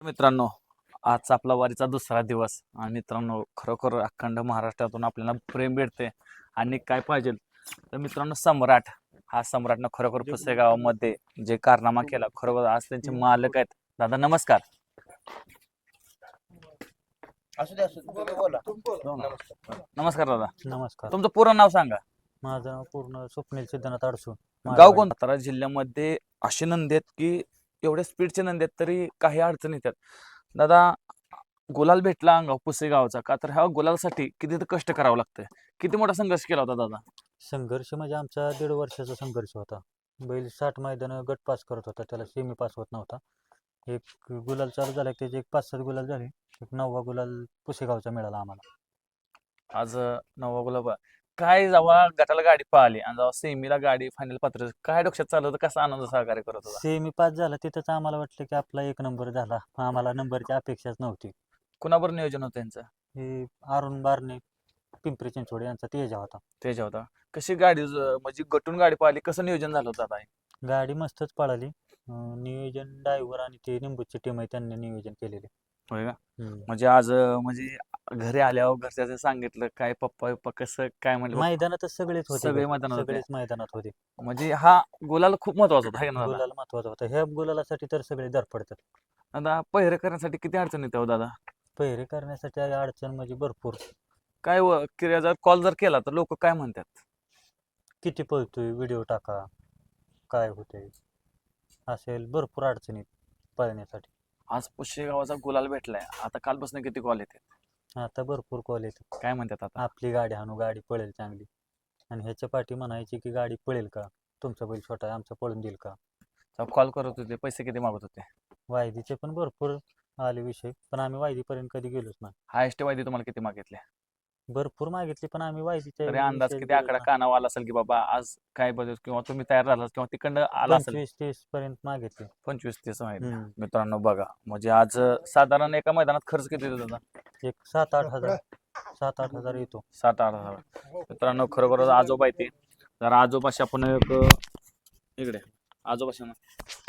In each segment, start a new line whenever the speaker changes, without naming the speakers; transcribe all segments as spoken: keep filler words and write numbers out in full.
मित्रांनो, आजचा आपला वारीचा दुसरा दिवस आणि मित्रांनो खरोखर अखंड महाराष्ट्रातून आपल्याला प्रेम भेटते आणि काय पाहिजे तर मित्रांनो सम्राट हा सम्राटनं खरोखर पुसेगावामध्ये जे कारनामा केला खरोखर आज त्यांचे मालक आहेत. दादा नमस्कार.
असू दे असू दे तुम्ही बोला.
नमस्कार. नमस्कार दादा,
नमस्कार.
तुमचं पूर्ण नाव सांगा.
माझं नाव पूर्ण स्वप्नील सिद्धनाथ अडसूळ.
गाव कोण? सातारा जिल्ह्यामध्ये असे नंदी आहेत की एवढ्या स्पीडचे नंदी आहेत तरी काही अडचण येतात. दादा गुलाल भेटला अंगाव पुसेगावचा का तर ह्या गुलालसाठी किती तर कष्ट करावं लागतंय. किती मोठा संघर्ष केला होता दादा?
संघर्ष म्हणजे आमचा दीड वर्षाचा संघर्ष होता. बैल साठ मैदान गट पास करत होता, त्याला सेमी पास होत नव्हता. एक गुलाल चालू झाला की त्याचे एक पाच सात गुलाल झाले. एक नववा गुलाल पुसेगावचा मिळाला आम्हाला.
आज नवा गुलाब काय जेव्हा गटाला गाडी पळाली आणि जेव्हा सेमीला गाडी फायनल पात्र काय डोक्यात चालू होतं, कसा आनंद सहकार्य करत होता?
सेमी पास झाला तिथंच आम्हाला वाटलं की आपला एक नंबर झाला. आम्हाला नंबरची अपेक्षाच नव्हती.
कुणाबर नियोजन होतं त्यांचं?
हे अरुण बारणे पिंपरी चिंचवड यांचा तेजा होता.
त्याच्या होता. कशी गाडी ज- म्हणजे गटून गाडी पळाली, कसं नियोजन झालं होतं आता?
गाडी मस्तच पळाली. अं, नियोजन ड्रायव्हर आणि ते निंबूची टीम आहे त्यांनी नियोजन केलेले.
होय का?
हम्म.
म्हणजे आज अं, म्हणजे घरी आल्यावर घरच्याचं सांगितलं काय पप्पा पप्पा कसं काय म्हणलं?
मैदानातच सगळेच होते.
सगळे
बघ.
मैदानात होते.
सगळेच मैदानात होते.
म्हणजे हा गुलाल खूप महत्वाचा होता है ना दादा?
गुलाल महत्वाचा होता. ह्या गुलालासाठी तर सगळे धडपडतात.
दादा पहिरे करण्यासाठी किती अडचण येते हो दादा?
पहिरे करण्यासाठी आहे अडचण म्हणजे भरपूर.
काय व- क्रिया जर कॉल जर केला तर लोक काय म्हणतात?
किती पळतोय, व्हिडिओ टाका, काय होतंय, असेल भरपूर अडचणी पळण्यासाठी.
आज पुशे गावाचा गुलाल भेटलाय, आता कालपासून किती कॉल येते?
आता भरपूर कॉल येतात.
काय म्हणतात आता?
आपली गाडी हाणू, गाडी पळेल चांगली. आणि ह्याच्या पाठी म्हणायची की गाडी पळेल का, तुमचा बैल छोटा आहे, आमचा पळून देईल का.
कॉल करत होते, पैसे किती मागत होते?
वायदीचे पण भरपूर आले विषय, पण आम्ही वायदीपर्यंत कधी गेलोच नाही.
हायस्ट वायदे तुम्हाला किती मागितले?
भरपूर मागितली पण आम्ही वायदीच्या
तरी अंदाज
विषयी
किती
गेलोच
आकडा
नाही.
कानावर आला असेल की बाबा आज काय बदल किंवा तुम्ही तयार झालात किंवा तिकडनं आला असेल?
पंचवीस तीस पर्यंत मागितले.
पंचवीस तीस माहिती.
हम्म.
मित्रांनो बघा म्हणजे आज साधारण एका मैदानात खर्च किती येतो दादा?
एक सात आठ हजार सात आठ हजार येतो.
सात आठ हजार. मित्रांनो खरोखर आजोबा येते जर आजोबाशी आपण एक इकडे आजोबाशी ना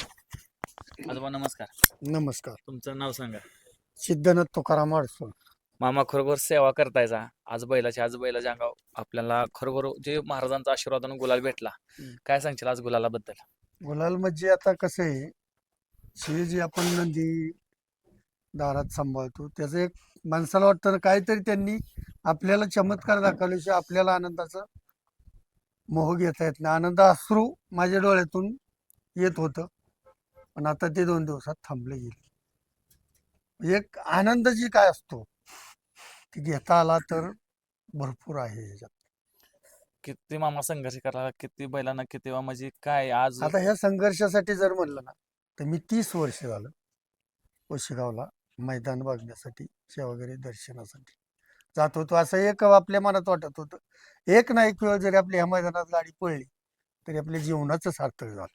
आजोबा नमस्कार.
नमस्कार.
तुमचं नाव सांगा.
सिद्धनाथ तुकाराम अडसूळ.
मामा खरोखर सेवा करतायचा आज बैलाची आज बैलाच्या अंगावर आपल्याला खरोखर जे महाराजांचा आशीर्वादानं गुलाल भेटला.
हम्म.
काय सांगशील आज गुलालाबद्दल?
गुलाल म्हणजे आता कसं आहे, हे जे आपण नंदी दारात सांभाळतो त्याचं एक माणसाला वाटतं ना काहीतरी त्यांनी आपल्याला चमत्कार दाखवल्याशिवाय आपल्याला आनंदाचा मोह घेता येत नाही. आनंद अश्रू माझ्या डोळ्यातून येत होतं, पण आता ते दोन दिवसात थांबले गेले. एक आनंद जी काय असतो ती घेता आला तर भरपूर आहे ह्याच्यात.
किती मामा संघर्ष करा किती बैलांना किती वा म्हणजे काय आज
आता ह्या संघर्षासाठी जर म्हणलं ना तर मी तीस वर्ष झालं ओशेगावला मैदान बघण्यासाठी वगैरे दर्शनासाठी जात होतो. असं एक आपल्या मनात वाटत होतं, एक ना एक वेळ जरी आपल्या ह्या मैदानात गाडी पळली तरी आपल्या जीवनाचं सार्थक झालं.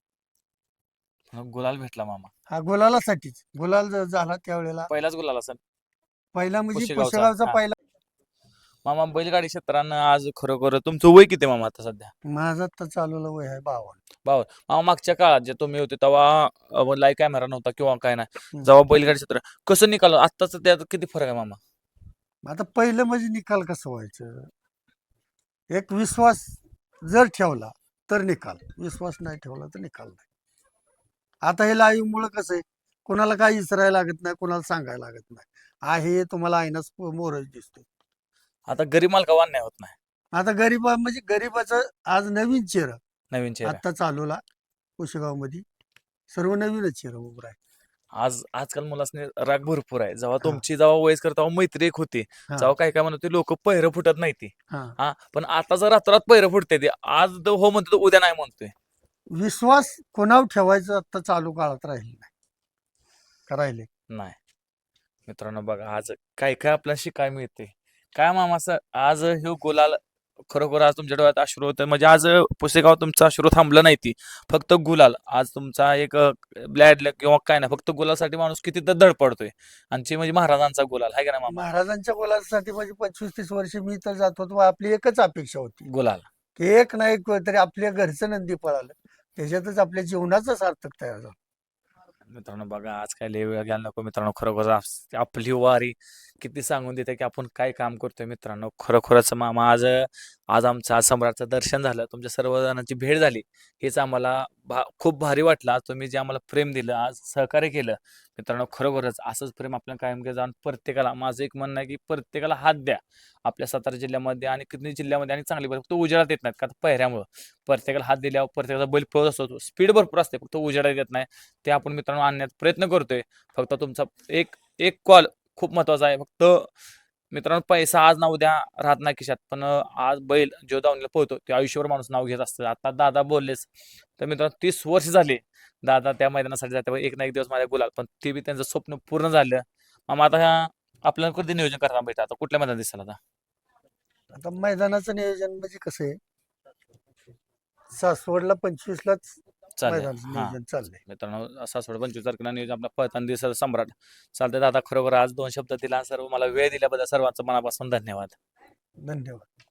गुलाल भेटला मामा.
हा गुलालासाठीच गुलाल जर झाला त्यावेळेला
पहिलाच गुलाल असेल
पहिला म्हणजे
पुशेगावचा.
पुशेगावचा
हा.
पहिला.
मामा बैलगाडी क्षेत्रानं आज खरोखर तुमचं वय किती मामा आता सध्या?
माझा तर चालवलं वय आहे बावन.
मामा मागच्या काळात जे तुम्ही होते तेव्हा लाईव्ह कॅमेरा नव्हता किंवा काय नाही
हम्म.
जेव्हा बैलगाडी क्षेत्र कसं निकाल आत्ताच त्यात किती फरक आहे मामा?
आता पहिलं म्हणजे निकाल कसं व्हायचं, एक विश्वास जर ठेवला तर निकाल, विश्वास नाही ठेवला तर निकाल नाही. आता हे लाईव्ह मुळे कसं आहे, कोणाला काही विसरायला लागत नाही, कोणाला सांगायला लागत नाही. आहे तुम्हाला आईनाच मोरच दिसतो.
आता गरीब मालका अन्याय होत नाही.
आता गरीबा म्हणजे गरीबाचं आज नवीन चेहरा
नवीन चेहरा
आता चालवला कुशेगाव मध्ये, सर्व नवीनच चेहरा उभा आहे.
आज आजकाल मुलासने राग भरपूर आहे. जेव्हा
हा.
तुमची जेव्हा वयस्कर तेव्हा मैत्री एक होती,
हा.
जेव्हा काय काय म्हणत लोक पहिरं फुटत नाही ती
हा.
हा पण आता जर रात्रात पहिरं फुटते ते आज तो हो म्हणतो तो उद्या नाही म्हणतोय.
विश्वास कोणावर ठेवायचं आता चालू काळात राहिले नाही का राहिले?
नाही. मित्रांनो बघा आज काय काय आपल्याला शिकायला मिळते. काय मामा असं आज हे गुलाल खरोखर आज तुमच्या डोळ्यात अश्रू होतं म्हणजे आज पुसेगाव तुमचा अश्रू थांबलं नाही ती फक्त गुलाल आज तुमचा एक ब्लॅड किंवा काय नाही फक्त गुलालसाठी माणूस किती तर धडपडतोय आणि ते म्हणजे महाराजांचा गुलाल आहे का नाही मामा?
महाराजांच्या गुलासाठी म्हणजे पंचवीस तीस वर्ष मी तर जात होतो, आपली एकच अपेक्षा होती
गुलाल
की एक ना एक वेळ तरी आपल्या घरचं नंदी पळालं त्याच्यातच आपल्या जीवनाचं सार्थक तयार झालं.
मित्रांनो बघा आज काय लय वेळ घ्यायला नको मित्रांनो, खरोखर आप- आपली वारी किती सांगून देते की आपण काय काम करतोय मित्रांनो. खरोखरच मामा आज आज आमचं आज सम्राटचं दर्शन झालं, तुमच्या सर्वजणांची भेट झाली, हेच आम्हाला भा खूप भारी वाटलं. आज तुम्ही जे आम्हाला प्रेम दिलं, आज सहकार्य केलं मित्रांनो, खरोखरच असंच प्रेम आपल्याला कायम घ्या जाऊन प्रत्येकाला माझं एक म्हणणं आहे की प्रत्येकाला हात द्या. आपल्या सातारा जिल्ह्यामध्ये आणि किती जिल्ह्यामध्ये आणि चांगली फक्त उजेडात येत नाहीत का पहिऱ्यामुळं. प्रत्येकाला हात दिल्यावर प्रत्येकाचा बैल पळत असतो, स्पीड भरपूर असते, फक्त उजेडात येत नाही. ते आपण मित्रांनो आणण्याचा प्रयत्न करतोय. फक्त तुमचा एक एक कॉल खूप महत्वाचा आहे. फक्त मित्रांनो पैसा आज ना उद्या राहत नाही खिशात, पण अं, आज बैल जो दावणीला पळतो ते आयुष्यभर माणूस नाव घेत असतं. आता दादा बोललेच तर मित्रांनो तीस वर्ष झाले दादा त्या मैदानासाठी जाते, एक ना एक दिवस माझ्या गुलाल, पण ते बी त्यांचं स्वप्न पूर्ण झालं. मग आता ह्या आपल्याला कधी नियोजन करता भेटा, आता कुठल्या मैदानात दिसेल आता?
आता मैदानाचं नियोजन म्हणजे कसं आहे, सासवडला पंचवीसलाच
चालेल
मैदानाचं
हा
नियोजन चाललंय.
मित्रांनो, सासवड पंचवीस तारखेला नियोजन आपला पळताना दिसेल सम्राट. चालतंय दादा, खरोखर आज दोन शब्द दिला सर्व मला वेळ दिल्याबद्दल सर्वांचं मनापासून धन्यवाद.
धन्यवाद.